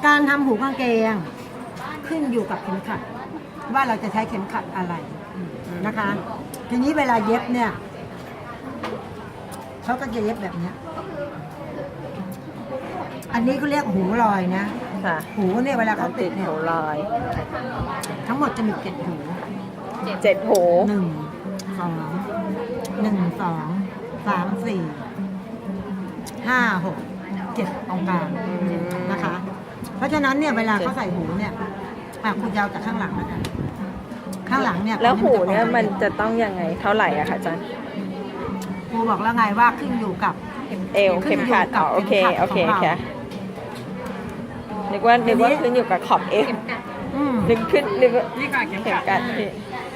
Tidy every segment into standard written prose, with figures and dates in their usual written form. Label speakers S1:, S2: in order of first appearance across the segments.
S1: การทำหูกางเกงขึ้นอยู่กับเข็มขัด ว่าเราจะใช้เข็มขัดอะไรนะคะ ทีนี้เวลาเย็บเนี่ยเขาก็จะเย็บแบบเนี้ยอันนี้เขาเรียกหูลอยนะ
S2: ค่ะ
S1: หูเนี่ยเวลาเขาติ
S2: ติ
S1: ด
S2: ด
S1: เนี่ย
S2: หูลอย
S1: ทั้งหมดจะมี7 หู
S2: 7 หู
S1: 1 2 1 2 3 4 5 6 7ตรงกลางนะคะ เพราะฉะนั้นเนี่ยเวลาเขาใส่หูเนี่ยคุณยาวจากข้างหลังแล้วกันข้างหลังเนี่ย
S2: แล้วหูเนี่ยมันจะต้องยังไงเท่าไหร่อะคะอาจารย์
S1: ครูบอกแล้วไงว่าขึ้นอยู่กับ
S2: เอวเข็มขัดอ๋อโอเคโอเคค่ะนึกว่าขึ้นอยู่กับขอบเอวนึกว่า
S3: นี่ค่ะเข็ม
S2: เข็ม
S3: ขัด
S2: กัดพี่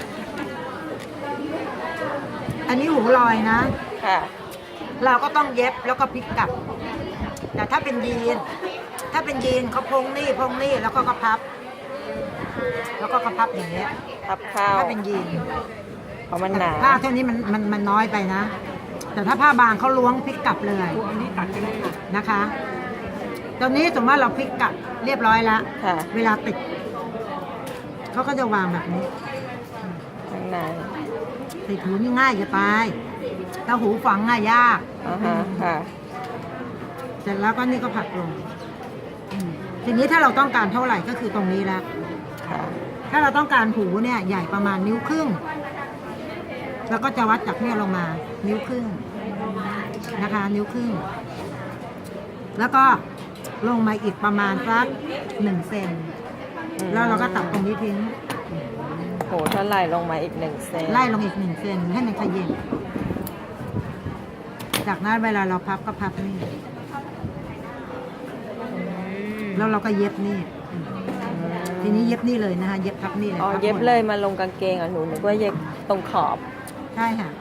S1: อันนี้หูลอยนะ
S2: ค่ะ
S1: เราก็ต้องเย็บแล้วก็พลิกกลับ แต่ถ้าเป็นยีนเขาพงนี่แล้วก็พับ แล้วก็พับอย่างเงี้ย
S2: พับเข้า
S1: ถ้าเป็นยีน
S2: เพราะมันหนา
S1: ผ้าเท่านี้มันน้อยไปนะ แต่ถ้าผ้าบางเขาล้วงพลิกกลับเลย
S3: อันนี้ตัดกันเลยค่ะ
S1: นะคะ ตอนนี้สมมติว่าเราพลิกกลับเรียบร้อยแล้ว
S2: ค่ะ
S1: เวลาติดเขาก็จะวางแบบนี้
S2: ข้างใน
S1: ติดหูนี่ง่ายจะตายถ้าหูฝังง่ายยาก
S2: อ่าฮะค่ะ
S1: เสร็จแล้วก็นี่ก็ผลักลงทีนี้ถ้าเราต้องการเท่าไหร่ก็คือตรงนี้แล้ว
S2: ค่ะ
S1: ถ้าเราต้องการหูเนี่ยใหญ่ประมาณนิ้วครึ่ง แล้วก็จะวัดจากเนี่ยลงมานิ้วครึ่งนะคะ นิ้วครึ่ง แล้วก็ลงมาอีกประมาณสัก1 เซนแล้วเราก็ตัดตรงนี้ทิ้ง
S2: โหเท่าไหร่ลงมาอีก1 เซน
S1: ไล่ลงอีก1 เซนให้มันขยิบจากนั้นเวลาเราพับก็พับนี่แล้วเราก็เย็บนี่ทีนี้เย็บนี่เลยนะคะเย็บพับนี่เลย
S2: อ๋อ
S1: พับ
S2: เย็บ
S1: หมด
S2: เลยมาลงกางเกงอ่ะหนูนึกว่าเย็บตรงขอบ
S1: ใช่ค่ะ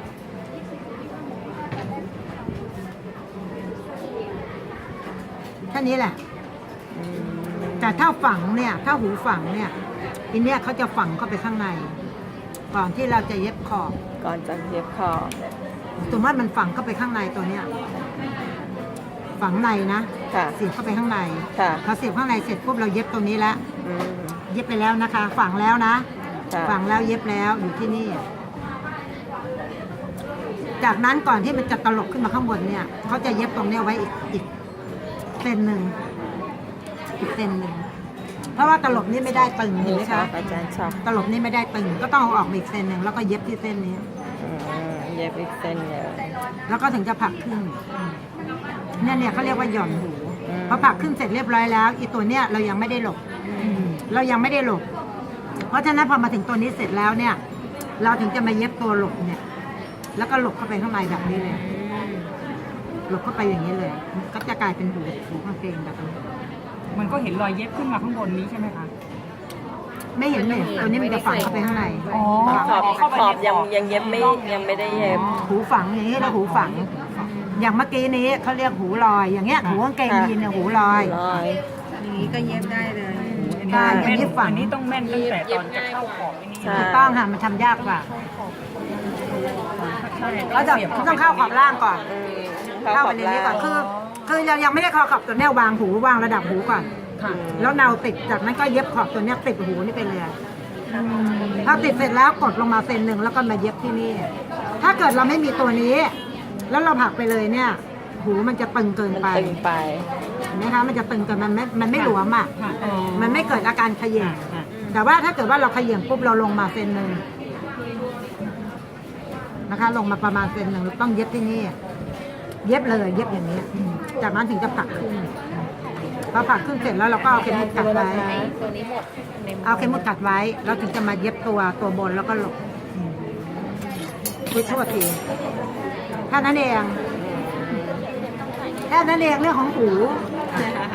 S1: แค่นี้แหละ แต่ถ้าฝังเนี่ย ถ้าหูฝังเนี่ยทีเนี้ยเขาจะฝังเข้าไปข้างใน ก่อนที่เราจะเย็บขอบ
S2: ก่อนจะเย็บขอบ
S1: สมมติว่ามันฝังเข้าไปข้างในตัวเนี้ยฝังในนะ
S2: ค่ะ
S1: เสียบเข้าไปข้างใน
S2: ค่ะ
S1: พอเสียบข้างในเสร็จปุ๊บเราเย็บตรงนี้แล้ว
S2: อืม
S1: เย็บไปแล้วนะคะ ฝังแล้วนะ
S2: ค่ะ
S1: ฝังแล้วเย็บแล้วอยู่ที่นี่ จากนั้นก่อนที่มันจะตลบขึ้นมาข้างบนเนี่ยเขาจะเย็บตรงเนี้ยไว้อีกเซนหนึ่งอีกเซนหนึ่งเพราะว่าตลบนี่ไม่ได้ตึงเห็นไหม
S2: ชอ
S1: คะ
S2: บอาจารย์ชอบ
S1: ตลบนี่ไม่ได้ตึงก็ต้องเอาออกมาอีกเซนหนึ่งแล้วก็เย็บที่เส้นนี้
S2: อืมเย็บอีกเส้นเลย
S1: แล้วก็ถึงจะผักครึ่งเนี่ยเขาเรียกว่าหย่อนหู
S2: อืม
S1: พอผักครึ่งเสร็จเรียบร้อยแล้วอีตัวเนี้ยเรายังไม่ได้หลบเรายังไม่ได้หลบ เพราะฉะนั้นพอมาถึงตัวนี้เสร็จแล้วเนี่ย เราถึงจะมาเย็บตัวหลบเนี่ย แล้วก็หลบเข้าไปข้างในแบบนี้เลยหลบเข้าไปอย่างนี้เลย ก็จะกลายเป็นหูกางเกงแบบนี้
S3: มันก็เห็นรอยเย็บขึ้นมาข้างบนนี้ใช่ไหมคะ
S1: ไม่เห็นเลยตัวนี้มันจะฝังเข้าไปข้างใน
S3: อ๋อ
S2: ขอบยังเย็บไม่ยังไม่ได้เย็บ
S1: หูฝังอย่างนี้แล้วหูฝัง อย่างเมื่อกี้นี้เขาเรียกหูลอย อย่างเงี้ยหูกางเกงยีนเนี่ยหูลอย
S2: ลอย
S4: อย่างนี้ก็เย็บได้เลย
S1: ใช่อย่างนี้ฝัง
S3: อันนี้ต้องแม่นตั้งแต่ตอนจะเข้าขอบอันนี้
S2: ใช่
S1: ถูกต้องค่ะมันทำยากกว่า
S3: ใช่
S1: เราจะต้องเข้าขอบล่างก่อน
S2: อืม
S1: เข้าไปในนี้ก่อนคือยังไม่ได้เข้าขอบตัวเนี้ยวางหูวางระดับหูก่อน
S3: ค่ะ
S1: แล้วเนาติดจากนั้นก็เย็บขอบตัวเนี้ยติดหูนี่ไปเลยพอติดเสร็จแล้วกดลงมาเซนหนึ่งแล้วก็มาเย็บที่นี่ ถ้าเกิดเราไม่มีตัวนี้ แล้วเราผลักไปเลยเนี่ย หูมันจะตึงเกิน
S2: มัน
S1: ไป
S2: ตึงไป
S1: เห็นไหมคะมันจะตึงเกินมันไม่หลวมอ่ะ
S3: ค่ะ
S1: มันไม่เกิดอาการเขย่งแต่ว่าถ้าเกิดว่าเราเขย่งปุ๊บเราลงมาเซนหนึ่งนะคะ ลงมาประมาณเซนหนึ่งเราต้องเย็บที่นี่ เย็บเลยเย็บอย่างนี้จากนั้นถึงจะผลักขึ้นพอผลักขึ้นเสร็จแล้วเราก็เอาเข็มมุดกัดไว้
S4: ตัวนี้หมดใน
S1: เอาเข็มมุดกัดไว้แล้วถึงจะมาเย็บตัวบนแล้วก็หลบคุยโทษทีแค่นั้นเองแค่นั้นเองเรื่องของหู